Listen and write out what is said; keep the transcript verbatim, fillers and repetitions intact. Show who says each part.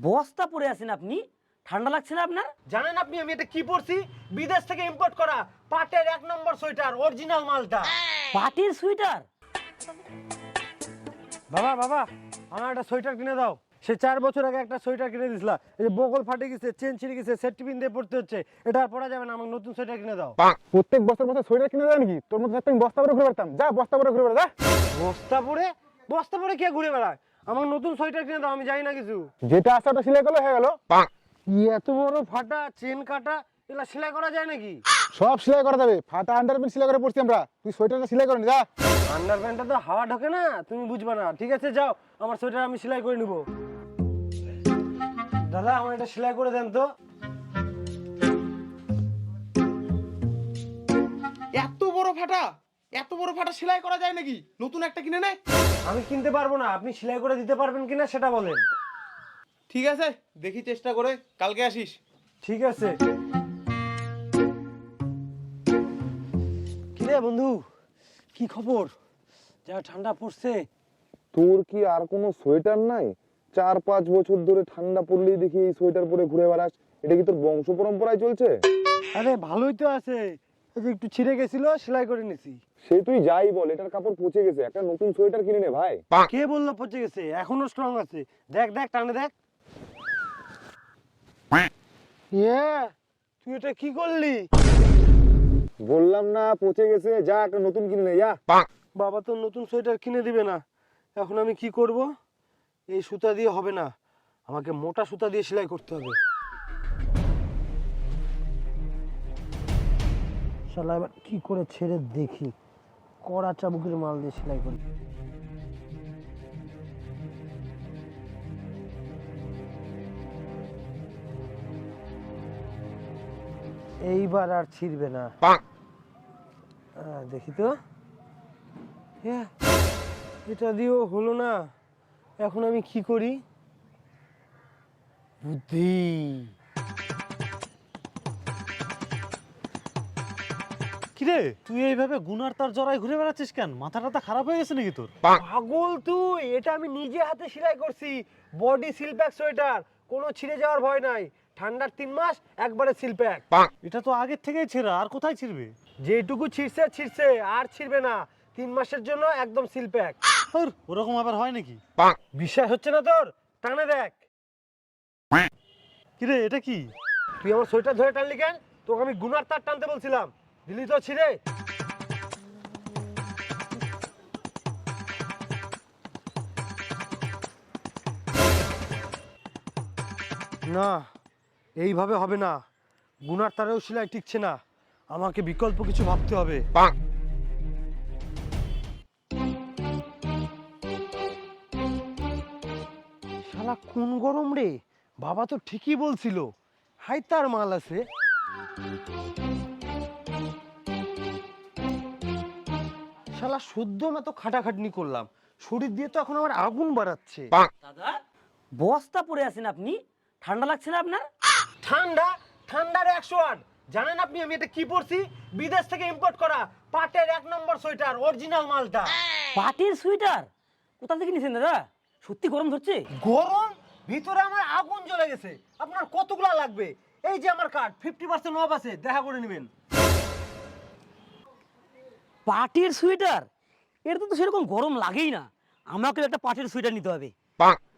Speaker 1: বস্তা পরে আছেন আপনি, ঠান্ডা লাগছে না আপনার?
Speaker 2: জানেন আপনি আমি এটা কি পরছি? বিদেশ থেকে ইম্পোর্ট করা পাটের এক নম্বর সোয়েটার, অরিজিনাল মালটা।
Speaker 1: পাটির সোয়েটার?
Speaker 2: বাবা বাবা আমার একটা সোয়েটার কিনে দাও। সে চার বছর আগে একটা সোয়েটার কিনে দিছিলা, এই যে বগল ফাটে গেছে, চেন ছিঁড়ে গেছে, সেট টিফিন দিয়ে পড়তে হচ্ছে, এটা আর পরা যাবে না, আমাকে নতুন সোয়েটার কিনে দাও।
Speaker 3: প্রত্যেক বছর বছর সোয়েটার কিনে দেয় নাকি? তোর মধ্যে আমি বস্তা পরে ঘুরে বেড়াতাম, যা বস্তা পরে ঘুরে বেড়া যা।
Speaker 2: বস্তা পরে বস্তা পরে কে ঘুরে বেড়ায়? আমাকে নতুন সোয়েটার কিনে দাও, আমি জানি না কিছু।
Speaker 3: যেটা আছে ওটা সেলাই করলে হয়ে গেল।
Speaker 2: এত বড় ফাটা, চেন কাটা, এগুলা সেলাই করা যায় নাকি?
Speaker 3: সব সেলাই করা যাবে, ফাটা আন্ডারপ্যান্ট সেলাই করে পড়ছি আমরা, তুই সোয়েটারটা সেলাই করে নি যা।
Speaker 2: আন্ডারপ্যান্টটা তো হাওয়া ঢোকে না, তুমি বুঝবা না। ঠিক আছে যাও, আমার সোয়েটার আমি সেলাই করে নিব। দাদা আমার এটা সেলাই করে দেন তো।
Speaker 4: এত বড় ফাটা, এত বড় ফাটা সেলাই করা যায় নাকি? নতুন একটা কিনে নে।
Speaker 2: আমি কিনতে পারবো না, আপনি সেলাই করে দিতে পারবেন কিনা সেটা বলেন।
Speaker 4: ঠিক আছে, দেখি চেষ্টা করে, কালকে আসিস।
Speaker 2: ঠিক আছে। কিরে বন্ধু, কি খবর? যা ঠান্ডা পড়ছে।
Speaker 3: তোর কি আর কোনো সোয়েটার নাই? চার পাঁচ বছর ধরে ঠান্ডা পড়লেই দেখি এই সোয়েটার পরে ঘুরে বেড়াস, এটা কি তোর বংশ পরম্পরায় চলছে?
Speaker 2: আরে ভালোই তো আছে, এই যে একটু ছিঁড়ে গেছিল, সেলাই করে নিছি।
Speaker 3: সে তুই যাই বল, এটার কাপড় পচে গেছে, একটা নতুন সোয়েটার কিনে নে ভাই।
Speaker 2: কে বললো পচে গেছে? এখনো স্ট্রং আছে, দেখ দেখ টানে দেখ। ইয়ে, তুই এটা কি করলি?
Speaker 3: বললাম না পচে গেছে, যা একটা নতুন কিনে নে যা।
Speaker 2: বাবা তো নতুন সোয়েটার কিনে দিবে না, এখন আমি কি করব? এই সুতা দিয়ে হবে না, আমাকে মোটা সুতা দিয়ে সেলাই করতে হবে। শালা এবার কি করে ছেড়ে দেখি, কড়া চাবুকের মাল দিয়ে সেলাই করি। এইবার আর ছিড়বে না। আহ, দেখি তো, হ্যাঁ, এটা দিয়েও হলো না, এখন আমি কি করি? বুদ্ধি।
Speaker 5: কিরে তুই এইভাবে গুনার তার জড়াই ঘুরে বেড়াচ্ছিস কেন? মাথা টাথা খারাপ হয়ে গেছে নাকি তোর?
Speaker 2: পাগল তুই, এটা আমি নিজে হাতে সেলাই করছি, বডি সিল প্যাক সোয়েটার, কোনো ছিঁড়ে যাওয়ার ভয় নাই। ঠান্ডার তিন মাস একবারে সিল প্যাক।
Speaker 5: এটা তো আগের থেকেই ছেঁড়া, আর কোথায় ছিড়বে?
Speaker 2: যেটুকু ছিঁড়ছে ছিঁড়ছে, আর ছিঁড়বে না, তিন মাসের জন্য একদম সিল প্যাক।
Speaker 5: ধুর, ওরকম আবার হয় নাকি?
Speaker 2: বিশ্বাস হচ্ছে না তোর? টানে দেখ।
Speaker 5: কিরে এটা কি?
Speaker 2: তুই আমার সোয়েটার ধরে টানলি কেন? তোকে আমি গুনার তার টানতে বলছিলাম, দিলি তো ছিঁড়ে। না, এইভাবে হবে না, গুনার তারেও সেলাই টিকছে না, আমাকে বিকল্প কিছু ভাবতে হবে। শালা কোন গরম রে, বাবা তো ঠিকই বলছিল, হাই তার মাল আছে। শালা শুদ্ধ মতো খাটাখাটনি করলাম, শরীর দিয়ে তো এখন আমার আগুন বাড়াচ্ছে।
Speaker 1: দাদা, বস্তা পরে আছেন আপনি, ঠান্ডা লাগছে না আপনার?
Speaker 2: ঠান্ডা? ঠান্ডার একশো আট। জানেন আপনি আমি এটা কি পরছি? বিদেশ থেকে ইম্পোর্ট করা পাটের এক নম্বর সোয়েটার, অরিজিনাল মালটা।
Speaker 1: পাটির সোয়েটার? কোথা থেকে নিছেন দাদা? সত্যি গরম ধরছে?
Speaker 2: গরম? ভিতরে আমার আগুন জ্বলে গেছে। আপনার কতগুলা লাগবে? এই যে আমার কার্ড, ফিফটি পার্সেন্ট অফ আছে, দেখা করে নেবেন।
Speaker 1: পাটির সোয়েটার? এটা তো সেরকম গরম লাগেই না, আমাকে একটা পাটির সোয়েটার নিতে হবে।